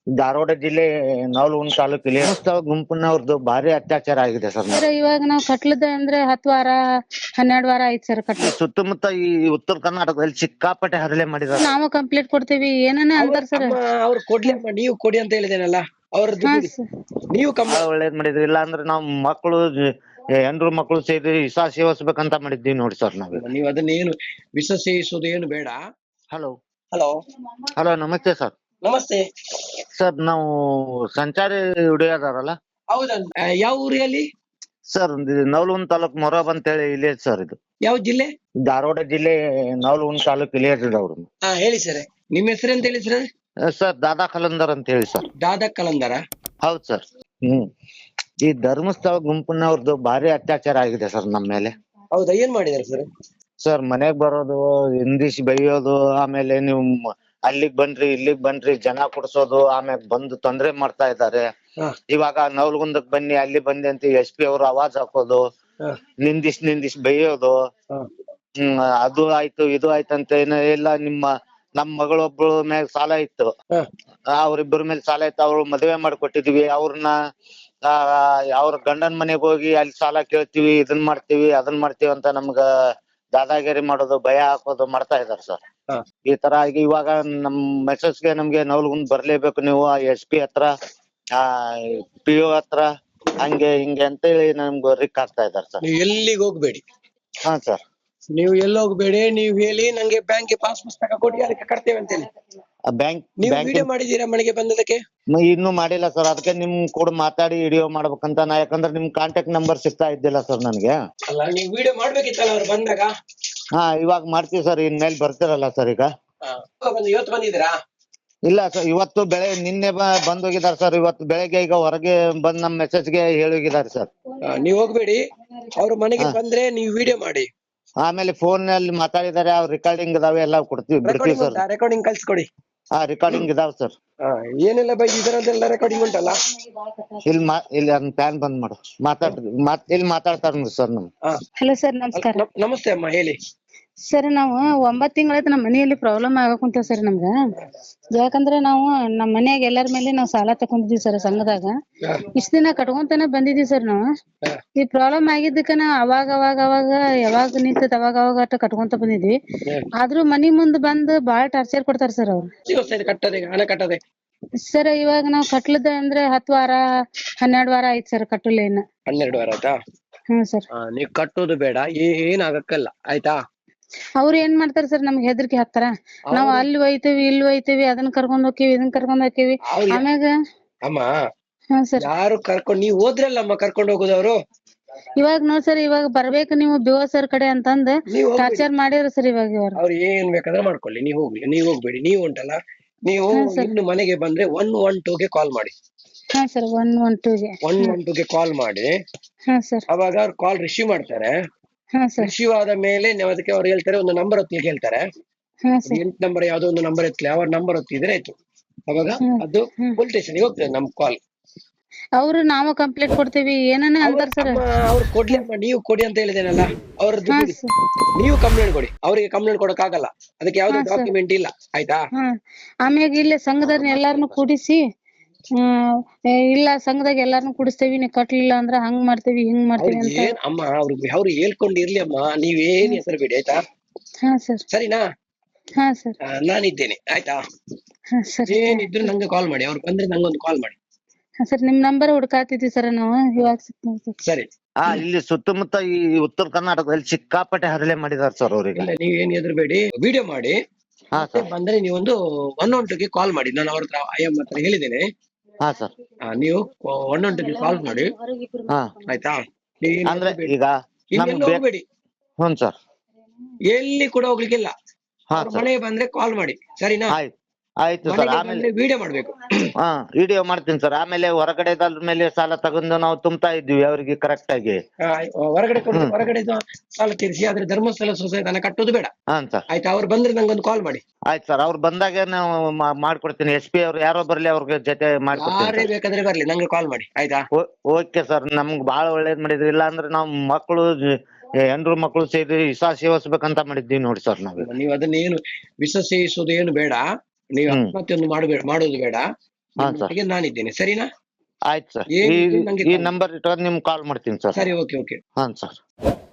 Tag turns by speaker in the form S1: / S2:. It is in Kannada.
S1: ಧಾರವಾಡ ಜಿಲ್ಲೆ ನವಲಗುಂದ ತಾಲೂಕಿಲ್ಲಿ ಧರ್ಮಸ್ಥಳ ಗುಂಪಿನವ್ರದ್ದು ಭಾರಿ ಅತ್ಯಾಚಾರ ಆಗಿದೆ ಸರ್.
S2: ಸರ್ ಇವಾಗ ನಾವು ಕಟ್ಲದ ಅಂದ್ರೆ 10 ವಾರ 12 ವಾರ ಆಯ್ತು ಸರ್ ಕಟ್ಲ.
S1: ಸುತ್ತಮುತ್ತ ಈ ಉತ್ತರ ಕರ್ನಾಟಕದಲ್ಲಿ ಸಿಕ್ಕಾಪಟ್ಟೆ ಹರಳೆ ಮಾಡಿದಾರೆ.
S2: ನಾವು ಕಂಪ್ಲೇಂಟ್ ಕೊಡ್ತೀವಿ ಏನೇನ ಅಂತಾರ ಸರ್.
S3: ಅವ್ರು ಕೊಡ್ಲಿ ಅಮ್ಮ, ನೀವು ಕೊಡಿ ಅಂತ ಹೇಳಿದೇನಲ್ಲ ಅವ್ರದ್ದು ನೀವು
S1: ಬಹಳ ಒಳ್ಳೇದ್ ಮಾಡಿದ್ರಿ. ಇಲ್ಲ ಅಂದ್ರೆ ನಾವ್ ಮಕ್ಕಳು ಹೆಂಡ್ರು ಮಕ್ಕಳು ಸೇರಿ ವಿಷ ಸೇವಿಸ್ಬೇಕಂತ ಮಾಡಿದ್ವಿ ನೋಡಿ ಸರ್ ನಾವ್.
S3: ನೀವು ಅದನ್ನೇನು ವಿಷ ಸೇವಿಸೋದು ಏನು ಬೇಡ.
S1: ಹಲೋ
S3: ಹಲೋ
S1: ಹಲೋ, ನಮಸ್ತೆ ಸರ್.
S3: ನಮಸ್ತೆ
S1: ಸರ್, ನಾವು ಸಂಚಾರಿ ಹುಡುಗರಲ್ಲ
S3: ಹೌದಾ? ಯಾವ ಊರಲ್ಲಿ
S1: ಸರ್? ನವಲಗುಂದ ತಾಲೂಕ್ ಮೊರಬ್ ಅಂತ ಹೇಳಿ ಇಲ್ಲೇ ಸರ್. ಇದು
S3: ಯಾವ ಜಿಲ್ಲೆ?
S1: ಧಾರವಾಡ ಜಿಲ್ಲೆ ನವಲಗುಂದ ತಾಲೂಕ್ ಇಲ್ಲೇ ಅವ್ರು.
S3: ಹೇಳಿ ಸರ್, ನಿಮ್ಮ ಹೆಸರು ಅಂತ ಹೇಳಿ ಸರ್?
S1: ಸರ್ ದಾದಾ ಕಲಂದರ್ ಅಂತ ಹೇಳಿ ಸರ್.
S3: ದಾದಾ ಕಲಂದರ?
S1: ಹೌದ್ ಸರ್. ಈ ಧರ್ಮಸ್ಥಳ ಗುಂಪಿನವ್ರದ್ದು ಭಾರಿ ಅತ್ಯಾಚಾರ ಆಗಿದೆ ಸರ್ ನಮ್ಮ ಮೇಲೆ.
S3: ಹೌದಾ? ಏನ್ ಮಾಡಿದಾರೆ ಸರ್?
S1: ಸರ್ ಮನೆಗ್ ಬರೋದು, ಹಿಂದಿಸಿ ಬೈಯೋದು, ಆಮೇಲೆ ನೀವು ಅಲ್ಲಿಗ್ ಬನ್ರಿ ಇಲ್ಲಿಗ್ ಬನ್ರಿ ಜನ ಕುಡ್ಸೋದು, ಆಮೇಲೆ ಬಂದು ತೊಂದ್ರೆ ಮಾಡ್ತಾ ಇದ್ದಾರೆ. ಇವಾಗ ನವಲಗುಂದಕ್ ಬನ್ನಿ ಅಲ್ಲಿ ಬನ್ನಿ ಅಂತ SP ಅವರು ಆವಾಜ್ ಹಾಕೋದು, ನಿಂದಿಸ್ ಬೈಯೋದು. ಅದು ಆಯ್ತು ಇದು ಆಯ್ತು ಅಂತ ಎಲ್ಲ ನಮ್ ಮಗಳೊಬ್ಳು ಮ್ಯಾಗ ಸಾಲ ಇತ್ತು, ಅವ್ರಿಬ್ಬರ ಮೇಲೆ ಸಾಲ ಇತ್ತು. ಅವ್ರು ಮದ್ವೆ ಮಾಡ್ಕೊಟ್ಟಿದ್ವಿ. ಅವ್ರನ್ನ ಅವ್ರ ಗಂಡನ್ ಮನೆಗ್ ಹೋಗಿ ಅಲ್ಲಿ ಸಾಲ ಕೇಳ್ತೀವಿ, ಇದನ್ ಮಾಡ್ತೀವಿ ಅದನ್ ಮಾಡ್ತೀವಿ ಅಂತ ನಮ್ಗ ದಾದಾಗಿರಿ ಮಾಡೋದು, ಭಯ ಹಾಕೋದು ಮಾಡ್ತಾ ಇದಾರೆ ಸರ್. ಈ ತರ ಆಗಿ ಇವಾಗ ನಮ್ ಮೆಸೇಜ್ಗೆ ನಮ್ಗೆ ನವಲಗುಂದ್ ಬರ್ಲೇಬೇಕು ನೀವು SP ಹತ್ರ, PO ಹತ್ರ, ಹಂಗೆ ಹಿಂಗೆ ಅಂತ ಹೇಳಿ ನಮ್ಗೆ ರಿಕ್ ಆಗ್ತಾ ಇದಾರೆ ಸರ್.
S3: ನೀವು ಎಲ್ಲಿಗೆ ಹೋಗ್ಬೇಡಿ.
S1: ಹಾ ಸರ್.
S3: ನೀವು ಎಲ್ಲಿ ಹೋಗ್ಬೇಡಿ, ನೀವು ಹೇಳಿ ನಂಗೆ ಬ್ಯಾಂಕ್ ಪಾಸ್ ಪುಸ್ತಕ ಕೊಡಿ, ಅದಕ್ಕೆ ಕಟ್ತೇವೆ ಅಂತ ಹೇಳಿ.
S1: ಬ್ಯಾಂಕ್
S3: ನೀವು ವಿಡಿಯೋ ಮಾಡಿದೀರಾ ಮನೆಗೆ ಬಂದದಕ್ಕೆ?
S1: ಇನ್ನೂ ಮಾಡಿಲ್ಲ ಸರ್. ಅದಕ್ಕೆ ನಿಮ್ ಕೂಡ ಮಾತಾಡಿ ವಿಡಿಯೋ ಮಾಡ್ಬೇಕಂತ ನಾ, ಯಾಕಂದ್ರೆ ನಿಮ್ ಕಾಂಟ್ಯಾಕ್ಟ್ ನಂಬರ್ ಸಿಗ್ತಾ ಇದ್ದಿಲ್ಲ ಸರ್ ನನ್ಗೆ.
S3: ಅಲ್ಲ, ನೀವು ವಿಡಿಯೋ ಮಾಡ್ಬೇಕಿತ್ತಲ್ಲ ಅವ್ರು ಬಂದಾಗ.
S1: ಇವಾಗ ಮಾಡ್ತೀವಿ ಸರ್. ಇನ್ಮೇಲೆ ಬರ್ತಿರಲ್ಲ ಸರ್ ಈಗ?
S3: ಇವತ್ತು ಬಂದಿದ್ದೀರಾ?
S1: ಇಲ್ಲ ಸರ್, ಇವತ್ತು ನಿನ್ನೆ ಬಂದೋಗಿದಾರೆ ಸರ್. ಇವತ್ತು ಬೆಳಗ್ಗೆ ಈಗ ಹೊರಗೆ ಬಂದ್ ನಮ್ ಮೆಸೇಜ್ಗೆ ಹೇಳೋಗಿದ್ದಾರೆ ಸರ್.
S3: ನೀವ್ ಹೋಗ್ಬೇಡಿ, ಅವ್ರ ಮನೆಗೆ ಬಂದ್ರೆ ನೀವು ವಿಡಿಯೋ ಮಾಡಿ.
S1: ಆಮೇಲೆ ಫೋನ್ ನಲ್ಲಿ ಮಾತಾಡಿದಾರೆ, ಅವ್ರ ರೆಕಾರ್ಡಿಂಗ್ ಇದಾವೆ, ಎಲ್ಲ ಬಿಡ್ತೀವಿ ಸರ್.
S3: ರೆಕಾರ್ಡಿಂಗ್ ಕಳ್ಸ್ಕೊಡಿ.
S1: ರೆಕಾರ್ಡಿಂಗ್ ಇದಾವ ಸರ್.
S3: ಏನೆಲ್ಲ ಬೈದಿದ್ದಾರಂತೆಲ್ಲ ರೆಕಾರ್ಡಿಂಗ್ ಉಂಟಲ್ಲ?
S1: ಇಲ್ಲಿ ಅದನ್ನ ಪ್ಯಾನ್ ಬಂದ್ ಮಾಡು, ಇಲ್ಲಿ ಮಾತಾಡ್ತಾರ ಸರ್ ನಮ್.
S2: ಹಲೋ ಸರ್, ನಮಸ್ಕಾರ.
S3: ನಮಸ್ತೆ ಅಮ್ಮ, ಹೇಳಿ.
S2: ಸರ್ ನಾವು 9 ತಿಂಗಳಾಯ್ತು ನಮ್ಮ ಮನೆಯಲ್ಲಿ ಪ್ರಾಬ್ಲಮ್ ಆಗಕುಂತ ಸರ್ ನಮ್ಗ. ಯಾಕಂದ್ರೆ ನಾವು ನಮ್ಮ ಮನ್ಯಾಗ ಎಲ್ಲಾರ ಮೇಲೆ ನಾವು ಸಾಲ ತಕೊಂಡಿದ್ವಿ ಸರ್ ಸಂಘದಾಗ. ಇಷ್ಟ ದಿನ ಕಟ್ಕೊಂತಾನೆ ಬಂದಿದ್ವಿ ಸರ್ ನಾವು. ಈ ಪ್ರಾಬ್ಲಮ್ ಆಗಿದ್ದಕ್ಕ ನಾವು ಅವಾಗ ಯಾವಾಗ ನಿಂತದ ಅವಾಗ ಅಷ್ಟ ಕಟ್ಕೊಂತ ಬಂದಿದ್ವಿ. ಆದ್ರೂ ಮನಿ ಮುಂದ್ ಬಂದ್ ಬಾಳ ಟಾರ್ಚರ್ ಕೊಡ್ತಾರ ಸರ್ ಅವ್ರು.
S3: ಹಣ ಕಟ್ಟದೆ
S2: ಸರ್ ಇವಾಗ ನಾವ್ ಕಟ್ಲದ ಅಂದ್ರೆ 10 ವಾರ 12 ವಾರ ಆಯ್ತು ಸರ್ ಕಟ್ಟಲೇನ.
S3: 12 ವಾರ ಆಯ್ತಾ?
S2: ಹ್ಮ್ ಸರ್.
S3: ನೀವ್ ಕಟ್ಟೋದು ಬೇಡ, ಏನ್ ಆಗಕ್ಕಲ್ಲ ಆಯ್ತಾ?
S2: ಅವ್ರ ಏನ್ ಮಾಡ್ತಾರ ಸರ್, ನಮ್ಗೆ ಹೆದರ್ಕಿ ಹಾಕ್ತಾರ. ನಾವ್ ಅಲ್ಲಿ ಒಯ್ತೇವಿ ಇಲ್ಲಿ ಒಯ್ತೇವಿ, ಅದನ್ನ ಕರ್ಕೊಂಡ್ ಹೋಗ್ತೇವಿ ಇದನ್ನ ಕರ್ಕೊಂಡ್ ಹೋಗ್ತೇವಿ. ಆಮ್ಯಾಗ
S3: ಅಮ್ಮ
S2: ಸರ್
S3: ಯಾರು ಕರ್ಕೊಂಡ್ ನೀವ್ ಹೋದ್ರಲ್ಲಮ್ಮ ಕರ್ಕೊಂಡ್ ಹೋಗುದವ್ರು.
S2: ಇವಾಗ ನೋಡ್ ಸರ್, ಇವಾಗ ಬರ್ಬೇಕು ನೀವು BO ಸರ್ ಕಡೆ ಅಂತಂದ್ ಟಾರ್ಚರ್ ಮಾಡಿದ್ರು ಸರ್. ಇವಾಗ
S3: ಅವ್ರು ಏನ್ ಬೇಕಾದ್ರೆ ಮಾಡ್ಕೊಳ್ಳಿ, ನೀವ್ ಹೋಗ್ಬೇಡಿ. ನೀವು ಉಂಟಲ್ಲ, ನೀವು ಇನ್ನು ಮನೆಗೆ ಬಂದ್ರೆ 112ಗೆ ಕಾಲ್ ಮಾಡಿ.
S2: ಹಾ ಸರ್,
S3: 112ಗೆ ಕಾಲ್ ಮಾಡಿ.
S2: ಹಾ ಸರ್.
S3: ಅವಾಗ ಅವ್ರು ಕಾಲ್ ರಿಸೀವ್ ಮಾಡ್ತಾರೆ. ರಿಸೀವ್ ಆದ ಮೇಲೆ ಅದಕ್ಕೆ ಅವ್ರು ಹೇಳ್ತಾರೆ, ಒಂದು ನಂಬರ್ ಒತ್ತಿಗೆ ಹೇಳ್ತಾರೆ. 8 ನಂಬರ್ ಯಾವ್ದೋ ಒಂದು ನಂಬರ್ ಎತ್ತಲಿ, ಅವ್ರ ನಂಬರ್ ಒತ್ತಿದ್ರೆ ಆಯ್ತು. ಅವಾಗ ಅದು ಪೊಲೀಸ್ ಸ್ಟೇಷನ್ಗೆ ಹೋಗ್ತದೆ ನಮ್ ಕಾಲ್.
S2: ಅವ್ರು ನಾವು ಕಂಪ್ಲೇಂಟ್ ಕೊಡ್ತೀವಿ ಏನೇನ ಅಂತಾರ ಸರ್.
S3: ಅವ್ರು ಕೊಡ್ಲಿ ಅಮ್ಮ, ನೀವು ಕೊಡಿ ಅಂತ ಹೇಳಿದೇನಲ್ಲ ಅವ್ರದ್ದು. ನೀವು ಕಂಪ್ಲೇಂಟ್ ಕೊಡಿ, ಅವ್ರಿಗೆ ಕಂಪ್ಲೇಂಟ್ ಕೊಡಕ್ ಆಗಲ್ಲ, ಅದಕ್ಕೆ ಯಾವ್ದು ಡಾಕ್ಯುಮೆಂಟ್ ಇಲ್ಲ ಆಯ್ತಾ?
S2: ಆಮ್ಯಾಗ ಇಲ್ಲೇ ಸಂಘದವ್ರನ್ನ ಎಲ್ಲಾರನು ಕೂಡಿಸಿ, ಇಲ್ಲ ಸಂಘದಾಗ ಎಲ್ಲಾರನು ಕೂಡಿಸ್ತೇವಿ, ನೀವು ಕಟ್ಲಿಲ್ಲ ಅಂದ್ರ ಹಂಗ್ ಮಾಡ್ತೇವಿ ಹಿಂಗ್ ಮಾಡ್ತೇವಿ ಅಂತ.
S3: ಅಮ್ಮ ಅವ್ರು ಹೇಳ್ಕೊಂಡು ಇರ್ಲಿ ಅಮ್ಮ, ನೀವೇನ್ ಹೆಸರು ಬಿಡಿ ಆಯ್ತಾ?
S2: ಹಾ ಸರ್.
S3: ಸರಿನಾ?
S2: ಹಾ ಸರ್.
S3: ನಾನಿದ್ದೇನೆ ಆಯ್ತಾ?
S2: ಹಾ ಸರ್.
S3: ಏನಿದ್ರು ನಂಗೆ ಕಾಲ್ ಮಾಡಿ, ಅವ್ರು ಬಂದ್ರೆ ನಂಗೊಂದು ಕಾಲ್ ಮಾಡಿ.
S2: ಹಾ ಸರ್, ನಿಮ್ ನಂಬರ್ ಹುಡ್ಕಾತಿದ್ವಿ ಸರ್ ನಾವು, ಇವಾಗ
S3: ಸರಿ.
S1: ಇಲ್ಲಿ ಸುತ್ತಮುತ್ತ ಈ ಉತ್ತರ ಕರ್ನಾಟಕದಲ್ಲಿ ಸಿಕ್ಕಾಪಟ್ಟೆ ಹರಳೆ ಮಾಡಿದಾರೆ ಸರ್ ಅವ್ರಿಗೆ.
S3: ನೀವೇನ್ ಹೆದರ್ಬೇಡಿ, ವಿಡಿಯೋ ಮಾಡಿ. ಬಂದ್ರೆ ನೀವೊಂದು 112ಗೆ ಕಾಲ್ ಮಾಡಿ. ನಾನು ಅವ್ರ ಹತ್ರ IM ಹತ್ರ ಹೇಳಿದ್ದೇನೆ.
S1: ಹಾ ಸರ್.
S3: ನೀವು 112ಗೆ ಕಾಲ್ ಮಾಡಿ ಆಯ್ತಾ?
S1: ಅಂದ್ರೆ ಈಗ
S3: ಹೋಗ್ಬೇಡಿ.
S1: ಹ್ಞೂ ಸರ್.
S3: ಎಲ್ಲಿ ಕೂಡ ಹೋಗ್ಲಿಕ್ಕಿಲ್ಲ. ಮನೆಗೆ ಬಂದ್ರೆ ಕಾಲ್ ಮಾಡಿ, ಸರಿನಾ?
S1: ಆಯ್ತು ಸರ್. ಆಮೇಲೆ
S3: ವಿಡಿಯೋ ಮಾಡ್ಬೇಕು.
S1: ವಿಡಿಯೋ ಮಾಡ್ತೀನಿ ಸರ್. ಆಮೇಲೆ ಹೊರಗಡೆ ಮೇಲೆ ಸಾಲ ತಗೊಂಡು ನಾವು ತುಂಬ್ತಾ ಇದ್ವಿ ಅವ್ರಿಗೆ ಕರೆಕ್ಟ್ ಆಗಿ.
S3: ಹೊರಗಡೆ ಸಾಲ ತೀರಿಸಿ, ಆದ್ರೆ ಧರ್ಮಸ್ಥಳ ಸೊಸೈಟಿ ಹಣ ಕಟ್ಟೋದು ಬೇಡ ಆಯ್ತಾ? ಅವ್ರು ಬಂದ್ರೆ ನಂಗೊಂದು ಕಾಲ್ ಮಾಡಿ.
S1: ಆಯ್ತು ಸರ್. ಅವ್ರು ಬಂದಾಗ ನಾವು ಮಾಡ್ಕೊಡ್ತೀನಿ. SP ಅವ್ರು ಯಾರೋ ಬರ್ಲಿ, ಅವ್ರಿಗೆ ಜೊತೆ ಮಾಡ್ಕೊಡ್ತೀನಿ.
S3: ಬೇಕಾದ್ರೆ ಬರ್ಲಿ, ನಂಗೆ ಕಾಲ್ ಮಾಡಿ ಆಯ್ತಾ?
S1: Okay sir. ನಮ್ಗ್ ಬಾಳ ಒಳ್ಳೇದ್ ಮಾಡಿದ್ರಿ. ಇಲ್ಲ ಅಂದ್ರೆ ನಾವ್ ಮಕ್ಕಳು ಹೆಂಡ್ರು ಮಕ್ಕಳು ಸೇರಿ ವಿಷ ಸೇವಿಸ್ಬೇಕಂತ ಮಾಡಿದ್ವಿ ನೋಡಿ ಸರ್ ನಾವು.
S3: ನೀವು ಅದನ್ನೇನು ವಿಷ ಸೇವಿಸೋದು ಏನು ಬೇಡ, ನೀವು ಆತ್ಮಹತ್ಯೆಯನ್ನು ಮಾಡೋದು ಬೇಡ. ನಿಮ್ಮೊಟ್ಟಿಗೆ ನಾನಿದ್ದೇನೆ, ಸರಿನಾ?
S1: ಆಯ್ತು ಸರ್.
S3: ಏನಿದ್ರು ನಂಗೆ
S1: ಈ
S3: call
S1: ನಂಬರ್ ಇಟ್ಕೊಂಡು ನಿಮ್ಗೆ ಕಾಲ್ ಮಾಡ್ತೀನಿ ಸರ್.
S3: ಸರಿ, ಓಕೆ ಓಕೆ.
S1: ಹಾಂ ಸರ್.